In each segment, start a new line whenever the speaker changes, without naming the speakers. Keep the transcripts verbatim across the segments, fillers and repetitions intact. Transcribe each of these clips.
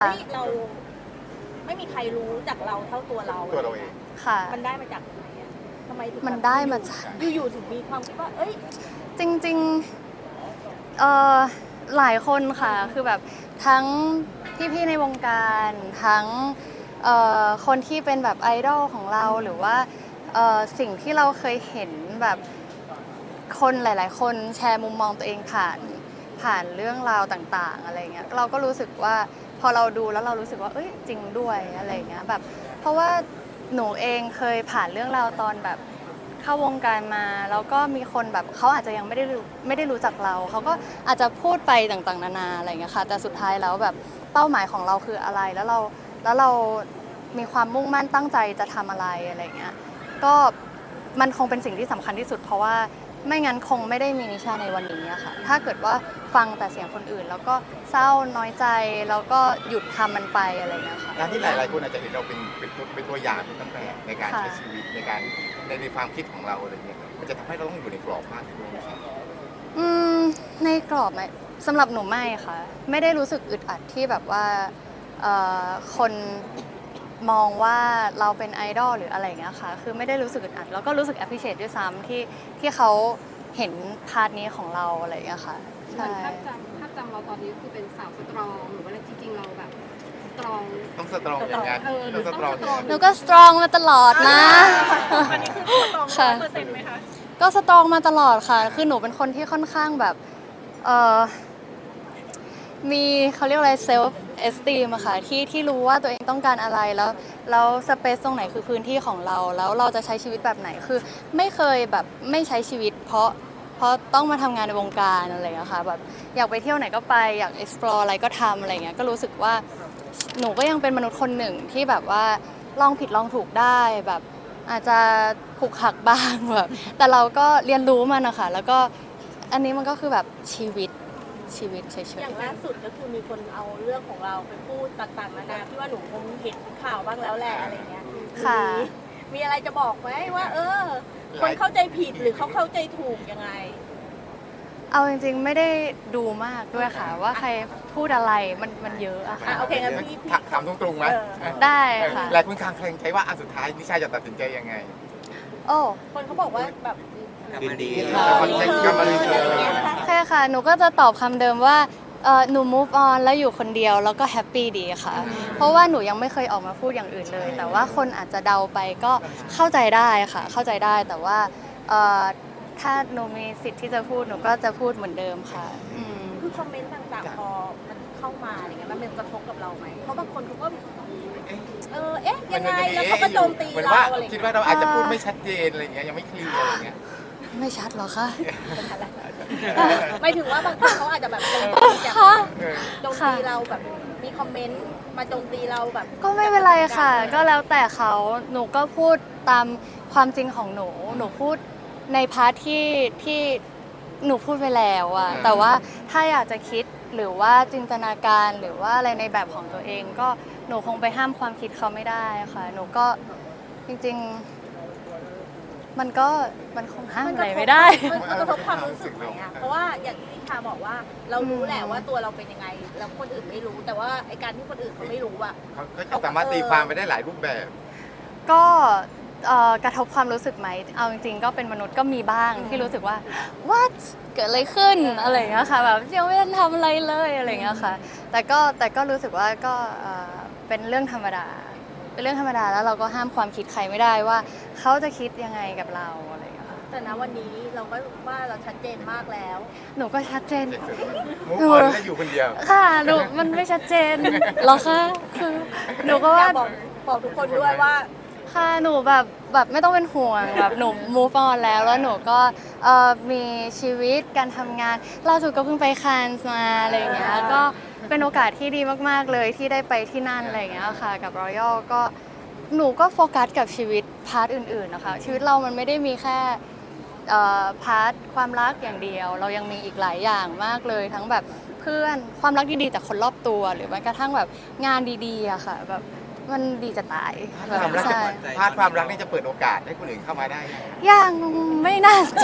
เฮ้ยเราไม่มีใครรู้จากเราเท่าตัวเรา
ตัวเราเอง
ค่ะ
มันได้มาจากไหนอะทำไมถึง
มันได้มาจาก
อยู่ๆถึงมีความคิดว่าเอ้ย
จริงๆเอ่อหลายคนค่ะคือแบบทั้งพี่ๆในวงการทั้งเอ่อคนที่เป็นแบบไอดอลของเราหรือว่าเอ่อสิ่งที่เราเคยเห็นแบบคนหลาย ๆ คนแชร์มุมมองตัวเองผ่านผ่านเรื่องราวต่างๆอะไรเงี้ยเราก็รู้สึกว่าพอเราดูแล้วเรารู้สึกว่าเอ้ยจริงด้วยอะไรเงี้ยแบบเพราะว่าหนูเองเคยผ่านเรื่องราวตอนแบบเข้าวงการมาแล้วก็มีคนแบบเขาอาจจะยังไม่ได้รู้ไม่ได้รู้จักเราเขาก็อาจจะพูดไปต่างๆนานาอะไรเงี้ยค่ะแต่สุดท้ายแล้วแบบเป้าหมายของเราคืออะไรแล้วเราแล้วเรามีความมุ่งมั่นตั้งใจจะทำอะไรอะไรเงี้ยก็มันคงเป็นสิ่งที่สำคัญที่สุดเพราะว่าไม่งั้นคงไม่ได้มีนิชาในวันนี้อะค่ะถ้าเกิดว่าฟังแต่เสียงคนอื่น แล้วก็เศร้าน้อยใจแล้วก็หยุดทำมันไปอะไรเงี้ยค่ะ
การที่หลายๆคนอาจจะเห็นเราเป็นเป็นตัวเป็นตัวอย่างเป็นต้นแบบในการใช้ชีวิตในการในในความคิดของเราอะไรเงี้ยมันจะทำให้เราต้องอยู่ในกรอบมากขึ้นไหมครับ
อืมในกรอบไหมสำหรับหนูไม่ค่ะไม่ได้รู้สึกอึดอัดที่แบบว่าเอ่อคนมองว่าเราเป็นไอดอลหรืออะไรอย่างเงี้ยค่ะคือไม่ได้รู้สึกอึดอัดแล้วก็รู้สึก appreciate ด้วยซ้ำที่ที่เขาเห็นพาร์ทนี้ของเราอะไรอย่างเงี้ยค่ะ
เหมือ
ใช่
นภาพจำภาพจำเราตอนนี้คือเป็นสาวสตรองหรือว่าจริงๆเราแบบสตรอง
ต้องสตรองอย่างนั้น
เออ
ต้องสตรองอย่างนั้น
หนูก็สตรองมาตลอดนะ
อันนี้คือตรง
ค่ะ
เปอร์เซ็นต์ไหมคะ
ก็สตรองมาตลอดค่ะ คือหนูเป็นคนที่ค่อนข้างแบบเออมีเขาเรียกอะไรเซลฟ์เอสตีมอะค่ะที่ที่รู้ว่าตัวเองต้องการอะไรแล้วแล้วสเปซตรงไหนคือพื้นที่ของเราแล้วเราจะใช้ชีวิตแบบไหนคือไม่เคยแบบไม่ใช้ชีวิต เพราะเพราะต้องมาทำงานในวงการอะไรอย่างเงี้ยค่ะแบบอยากไปเที่ยวไหนก็ไปอยาก explore อะไรก็ทำอะไรเงี้ยก็รู้สึกว่าหนูก็ยังเป็นมนุษย์คนหนึ่งที่แบบว่าลองผิดลองถูกได้แบบอาจจะขลุกขลักบ้างแบบแต่เราก็เรียนรู้มันนะคะแล้วก็อันนี้มันก็คือแบบชีวิตชีวิตเฉย
อย่างล่าสุดก็คือมีคนเอาเรื่องของเราไปพูดต่างๆนานาที่ว่าหนูคงเห็นข่าวบ้างแล้วแหละอะไรเงี้ย
ๆค่ะ
มีมีอะไรจะบอกไหมว่า เออ คนเข้าใจผิดหรือเขาเข้าใจถูกยังไง
เอาจริงๆไม่ได้ดูมากด้วยค่ะ ว่าใครพูดอะไรมันมันเยอะอะ
อ่ะ
ค่ะ
โอเคงั้นพี่พี่
ถามตรงๆไหม
เออ
ได้ค่ะ
หลายคนคลางแคลงใจว่าอันสุดท้ายนิชาจะตัดสินใจยังไง
โอ้
คนเขาบอกว่าแบบ
ดีดี
เอ
ค่ะ
อ
คอนเทนต์ก็มาเลย
อะไรอย่างเงี้ย
โอเคค่ะ หนูก็จะตอบคำเดิมว่าเออหนู move on แล้วอยู่คนเดียวแล้วก็แฮปปี้ดีค่ะ เพราะว่าหนูยังไม่เคยออกมาพูดอย่างอื่นเลย แต่ว่าคนอาจจะเดาไปก็เข้าใจได้ค่ะ เข้าใจได้แต่ว่าเอ่อถ้าหนูมีสิทธิ์ที่จะพูดหนูก็จะพูดเหมือนเดิมค่ะอืม
คือคอมเมนต์ต่างๆ พอมันเข้ามาอะไรเงี้ยมันเป็นกระทบกับเราไหมเพราะบางคนเขาก็เออเอ๊ะยังไงแล้วเขาก็โจมตี
เหมือน
เรา
ว่า
อะไร
คิด
เงี้ย
ว่าเราอาจจะพูดไม่ชัดเจนอะไรเงี้ยยังไม่เคลียร์อะไรเงี้ย
ไม่ชัดหรอคะ
หมายถึงว่าบางคนเขาอาจจะแบบโจมตีจาก
ค่ะ
เออ
โจมตีเราแบบมีคอมเมนต์มาโจมตีเราแบบ
ก็ไม่เป็นไรค่ะ ก็แล้วแต่เขาหนูก็พูดตามความจริงของหนู หนูพูดในพาร์ทที่ที่หนูพูดไปแล้วอะแต่ว่าถ้าอยากจะคิดหรือว่าจินตนาการหรือว่าอะไรในแบบของตัวเอง ก็หนูคงไปห้ามความคิดเขาไม่ได้ค่ะ หนูก็จริงๆ มันก็มันคงห้ามอะไรไม่ได้
มันกระทบความรู้สึกไหมอะเพราะว่าอย่างที่นิชาบอกว่าเรารู้แหละว่าตัวเราเป็นยังไง แล้วคนอื่นไม่รู้ แต่ว่าไอการที่คนอื่นเขาไม่รู้อะ
เขาก็จะสามารถตีความไปได้หลายรูปแบบ
ก็เอ่อกระทบความรู้สึกไหม เอาจริงๆ ก็เป็นมนุษย์ก็มีบ้างที่รู้สึกว่า what เกิดอะไรขึ้นอะไรอย่างเงี้ยค่ะแบบยังไม่ได้ทำอะไรเลยอะไรอย่างเงี้ยค่ะ แต่ก็แต่ก็รู้สึกว่าก็เอ่อเป็นเรื่องธรรมดา เป็นเรื่องธรรมดาแล้วเราก็ห้ามความคิดใครไม่ได้ว่าเขาจะคิดยังไงกับเราอะไรอย่างเงี้ยค่ะ
แต่ณวันนี้เราก็ว่าเราชัดเจนมากแล้ว
หนูก็ชัดเจน
มุกออนได้อยู่คนเดียว
ค่ะหนูมันไม่ชัดเจนหรอคะคือหนูก็ว่า
อยากบอกบอกทุกคนด้วยว่า
ค่ะหนูแบบแบบไม่ต้องเป็นห่วงแบบหนู move on แล้วแล้วหนูก็เอ่อมีชีวิตการทำงานล่าสุดก็เพิ่งไปคานส์มาอะไรอย่างเงี้ยก็เป็นโอกาสที่ดีมากๆเลยที่ได้ไปที่นั่นอะไรอย่างเงี้ยค่ะกับ Royal ก็หนูก็โฟกัสกับชีวิตพาร์ทอื่นๆนะคะชีวิตเรามันไม่ได้มีแค่เอ่อพาร์ทความรักอย่างเดียว เรายังมีอีกหลายอย่างมากเลยทั้งแบบเพื่อนความรักดีๆจากคนรอบตัวหรือแม้กระทั่งแบบงานดีๆอะค่ะแบบมันดีจะตายแบบ
ความรัก
ใช่
พาร์ทความรักนี่จะเปิดโอกาสให้คนอื่นเข้ามาได้
ยังไม่น่าจะ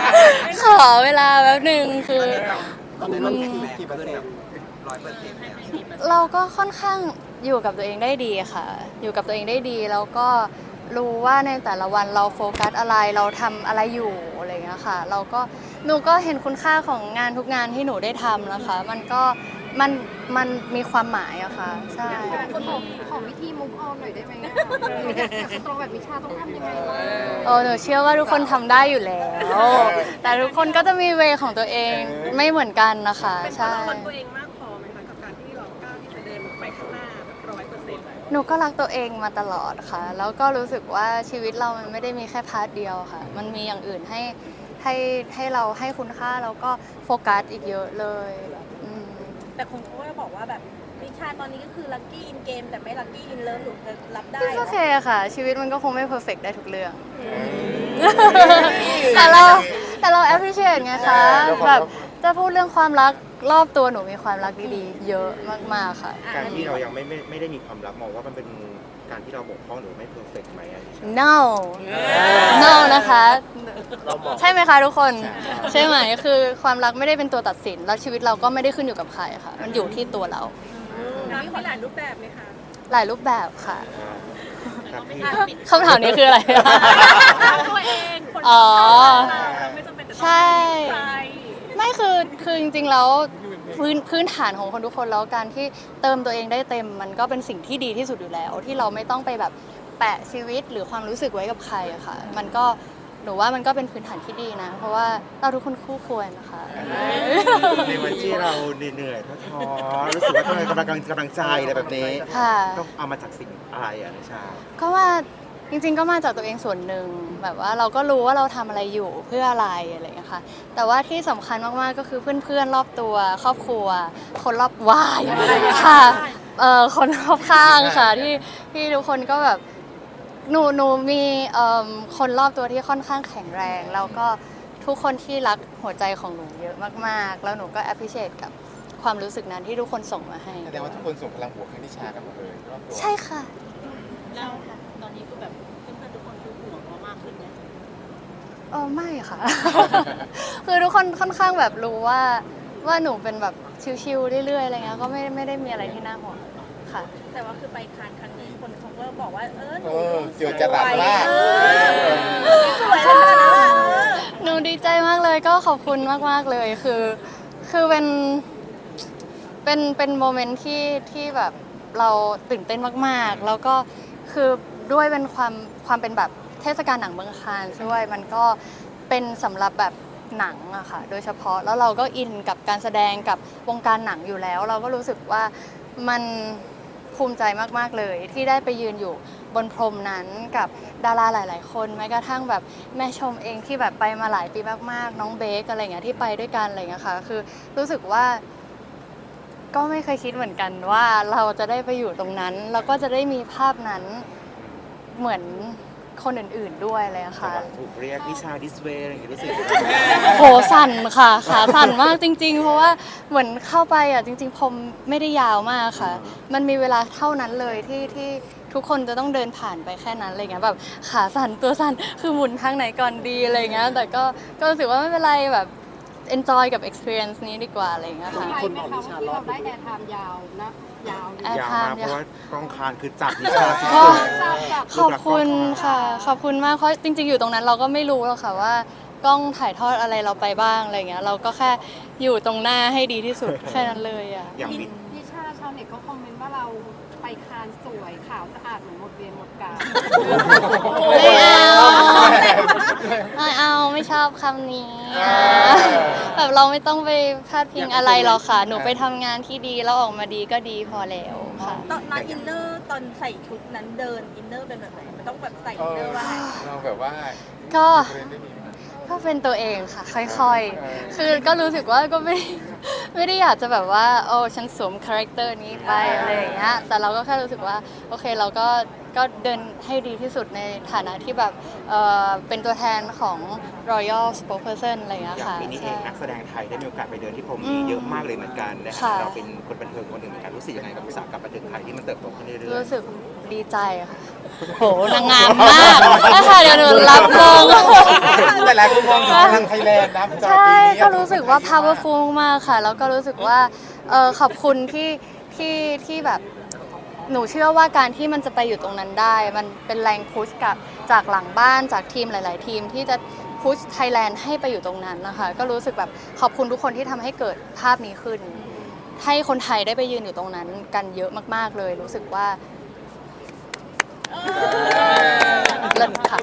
ขอเวลาแป๊บหนึ่งคือ
ตอนนี้มันกี่กี่เปอร์เซ็นต์ร้อยเปอร์เซ็นต์เนี่ย
เราก็ค่อนข้างอยู่กับตัวเองได้ดีค่ะ อยู่กับตัวเองได้ดีแล้วก็รู้ว่าในแต่ละวันเราโฟกัสอะไรเราทำอะไรอยู่อะไรอย่างเงี้ยค่ะ เราก็หนูก็เห็นคุณค่าของงานทุกงานที่หนูได้ทำนะคะ มันก็มันมันมีความหมายอะค่ะใช่
คนบอกขอวิธีมุกออนหน่อยได้ไหมอะอยากสตรองแบบนิชาต้องทำยังไงบ้าง
เออหนูเชื่อว่าทุกคนทำได้อยู่แล้ว แต่ทุกคนก็จะมีเวของตัวเองไม่เหมือนกันนะคะ
เป็นเพ
ใช่
ราะเรารักตัวเองมากพอไหมคะกับการที่เรากล้าที่จะเดินไปข้างหน้าแบบร้อยเปอร์เซ็นต์
หนูก็รักตัวเองมาตลอดค่ะ แล้วก็รู้สึกว่าชีวิตเรามันไม่ได้มีแค่พาร์ทเดียวค่ะ มันมีอย่างอื่นให้ให้ให้เราให้คุณค่าแล้วก็โฟกัสอีกเยอะเลยแบบอืม
แต่คนเขาก็จะบอกว่าแบบนิชาตอนนี้ก็คือลัคกี้อินเกมแต่ไม่ลัคกี้อินเลิฟหนูจะรับได้
โอเคค่ะ ชีวิตมันก็คงไม่เพอร์เฟกได้ทุกเรื่อง แต่เราแต่เรา appreciate ไงคะแบบจะพูดเรื่องความรักรอบตัวหนูมีความรักดีๆ เยอะมากๆค่ะ
การที่เรายังไม่ไม่ไม่ได้มีความรักมองว่ามันเป็นการที่เราบกพร่องหรือไม่เพอร์เฟกต์ไหมอันนี้
no no นะคะ ใช่ไหมคะทุกคน ใช่ไหมคือความรักไม่ได้เป็นตัวตัดสิน แล้วชีวิตเราก็ไม่ได้ขึ้นอยู่กับใครค่ะ มันอยู่ที่ตัวเรา
รักมีหลายรูปแบบไหมคะ
หลายรูปแบบค่ะ
ครับพี่
คำถามนี้คืออะไร
รักตัวเองคน
อ๋อ
เราไม่จำเป็นจะต้อง
ใช่
มีใคร
ไม่คือคือจริงๆแล้วพื้นพื้นฐานของคนทุกคนแล้วการที่เติมตัวเองได้เต็ม มันก็เป็นสิ่งที่ดีที่สุดอยู่แล้ว ที่เราไม่ต้องไปแบบแปะชีวิตหรือความรู้สึกไว้กับใครอะค่ะ มันก็หนูว่ามันก็เป็นพื้นฐานที่ดีนะ เพราะว่าเราทุกคนคู่ควรนะคะ
ในวันที่เราเหนื่อยๆท้อๆรู้สึกว่าต้องการกำลังกำลังใจอะไรแบบนี้
ค่ะ
ต้องเอามาจากสิ่งอะไรอ่ะนิชา
ก็ว่าจริงๆก็มาจากตัวเองส่วนหนึ่งแบบว่าเราก็รู้ว่าเราทำอะไรอยู่เพื่ออะไรอะไรอย่างเงี้ยค่ะแต่ว่าที่สำคัญมากๆก็คือเพื่อนๆรอบตัวครอบครัว คนรอบวายค่ะเอ่อคนรอบข้างค่ะที่ที่ทุกคนก็แบบหนูหนูมีเอิ่มคนรอบตัวที่ค่อนข้างแข็งแรง แล้วก็ทุกคนที่รักหัวใจของหนูเยอะมากๆ แล้วหนูก็ appreciate กับความรู้สึกนั้นที่ทุกคนส่งมาให้
แสดงว่าทุกคนส่งพลังบวกให้นิชากันหมดเลยรอบตัว
ใช่ค่ะ
แล้วตอนนี้คือแบบเพื่อนๆทุกคนคือห่วงเรามากขึ้นไหม
เออไม่ค่ะ คือทุกคนค่อนข้างแบบรู้ว่าว่าหนูเป็นแบบชิลๆเรื่อยๆอะไรเงี้ยก็ไม่ไม่ได้มีอะไรที่น่าห่วงค่ะ
แต่ว่าคือไปคานครั้งนี้คนเขาก็บอกว่าเออห
เอ
นู
อเจอจะรักมาก
เออสวยขนาดนั้นอะเออ
หนูดีใจมากเลยก็ขอบคุณมากๆเลยคือ คือเป็นเป็นเป็นโมเมนต์ที่ที่แบบเราตื่นเต้นมากๆ แล้วก็คือด้วยเป็นความความเป็นแบบเทศกาลหนังเมืองคานส์ด้วยมันก็เป็นสำหรับแบบหนังอะค่ะโดยเฉพาะแล้วเราก็อินกับการแสดงกับวงการหนังอยู่แล้ว เราก็รู้สึกว่ามันภูมิใจมากๆเลย ที่ได้ไปยืนอยู่บนพรมนั้นกับดาราหลาย ๆ คนแม้กระทั่งแบบแม่ชมเองที่แบบไปมาหลายปีมากๆ น้องเบคอะไรเงี้ยที่ไปด้วยกันอะไรเงี้ยค่ะคือรู้สึกว่า ก็ไม่เคยคิดเหมือนกันว่าเราจะได้ไปอยู่ตรงนั้น แล้วก็จะได้มีภาพนั้นเหมือนคนอื่นๆด้วยเลยอะค่ะ
ถูกเรียกนิชาดิสเวย์อะไรอย่างเงี้ยรู้สึก
โหสั่นค่ะขาสั่นมากจริง ๆ เพราะว่าเหมือนเข้าไปอ่ะจริงๆผมไม่ได้ยาวมากค่ะ มันมีเวลาเท่านั้นเลยที่ที่ทุกคนจะต้องเดินผ่านไปแค่นั้นอะไรเงี้ยแบบขาสั่นตัวสั่นคือหมุนทางไหนก่อนดีอะไรเงี้ยแต่ก็ก็รู้สึกว่าไม่เป็นไรแบบ enjoy กับ experience นี้ดีกว่าอะไรเงี้ยค่ะ
ใช่ไหมคะว่าที่เราได้แอร์ไทม์ยาวนะยาวอยู่
แอร์
ยาว
ไท
มาก
ม์
เพราะว่ากองคานคือจับนิชาสุ
ก็
ด
ขอบคุณค่ะ ขอบคุณมากเพราะจริง ๆ อยู่ตรงนั้นเราก็ไม่รู้หรอกค่ะว่ากล้องถ่ายทอดอะไรเราไปบ้างอะไรเงี้ยเราก็แค่อยู่ตรงหน้าให้ดีที่สุด แค่นั้นเลยอ่ะ
ๆอย่างบิด
นิชาชาวเน็ตก็คอมเมนต์ว่าเราไปคานสวยขาวสะอาดเหมือนหมดเวรหมดกาล
ไม่เอาไม่เอาไม่ชอบคำนี้แบบเราไม่ต้องไปพาดพิงอะไรหรอกค่ะ หนูไปทำงานที่ดีแล้วออกมาดีก็ดีพอแล้วค่ะ
ตอนนั้นอินเนอร์ตอนใส่ชุดนั้นเดินอินเนอร์เป็นแบบไหนมันต้องแบบใส่
เอ
อินเน
อ
อร์ว่าไง
เราแบบว่า
ก็
เรียนได้ดีมาก
ก็เป็นตัวเองค่ะ ค่อยๆ คือก็รู้สึกว่าก็ไม่ไม่ได้อยากจะแบบว่าโอ้ฉันสวมคาแรคเตอร์นี้ไปอะไรอย่างเงี้ยแต่เราก็แค่รู้สึกว่าโอเคเราก็ก็เดินให้ดีที่สุดในฐานะที่แบบเอ่อเป็นตัวแทนของ Royal Spokesperson อะไรอย่างเงี้ย
อย่าง
ค่ะ
ปีนี้เอ
ใช่
งนักแสดงไทยได้มีโอกาสไปเดินที่พรม
อื
นี้
ม
เยอะมากเลยเหมือนกันนะ
ค่ะ
เราเป็นคนบันเทิงคนหนึ่งเหมือนกันรู้สึกยังไงกับอุตสาหกรรมบันเทิงไทยที่มันเติบโตขึ้นเรื่อย
รู้สึกดีใจค่ะโหนางงามมากนะคะเดี๋ยวหนูรับมง
แต่หลายคนมองถึงทางไทยแลนด์นะสำหรับ
ใช่
ปีนี้
ก็รู้สึกว่า powerful มากค่ะ แล้วก็รู้สึกว่าเออขอบคุณที่ที่ที่แบบหนูเชื่อว่าการที่มันจะไปอยู่ตรงนั้นได้ มันเป็นแรงพุชกับจากหลังบ้านจากทีมหลาย ๆ ทีมที่จะพุชไทยแลนด์ให้ไปอยู่ตรงนั้นนะคะก็รู้สึกแบบขอบคุณทุกคนที่ทำให้เกิดภาพนี้ขึ้น ให้คนไทยได้ไปยืนอยู่ตรงนั้นกันเยอะมาก ๆ เลย รู้สึกว่าเลิศค่ะ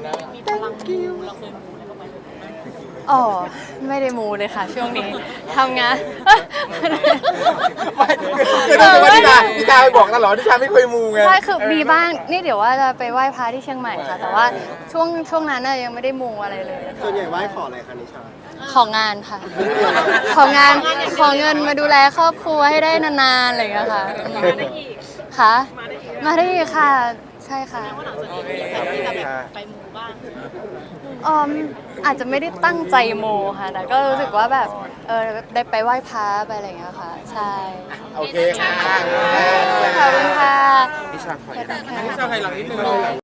อ๋อไม่ได้มูเลยค่ะ ช่วงนี้ทำงาน
ไม่คือต้องว่านิชานิชาไปบอกตลอดนิชาไม่เคยมูไง
ใช่คือมีบ้างนี่เดี๋ยวว่าจะไปไหว้พระที่เชียงใหม่ค่ะ แต่ว่าช่วงช่วงนั้นน่ะยังไม่ได้มูอะไรเลยค่ะ
ส่วนใหญ่ไหว้ขออะไรคะนิชา
ของงานค่ะ ของงานของเงินมาดูแลครอบครัวให้ได้นานๆอะไรอย่างเงี้ยค่ะค่ะมาได้อีกค่ะ ใช่ค่ะออมอาจจะไม่ได้ตั้งใจโมค่ะ แต่ก็รู้สึกว่าแบบเออได้ไปไหว้พระไปอะไรอย่างเงี้ยค่ะ ใช่
โอเคค่ะ
ขอบคุณค่ะ
นิชาขออีก
นิชาไทยหลังนิดนึง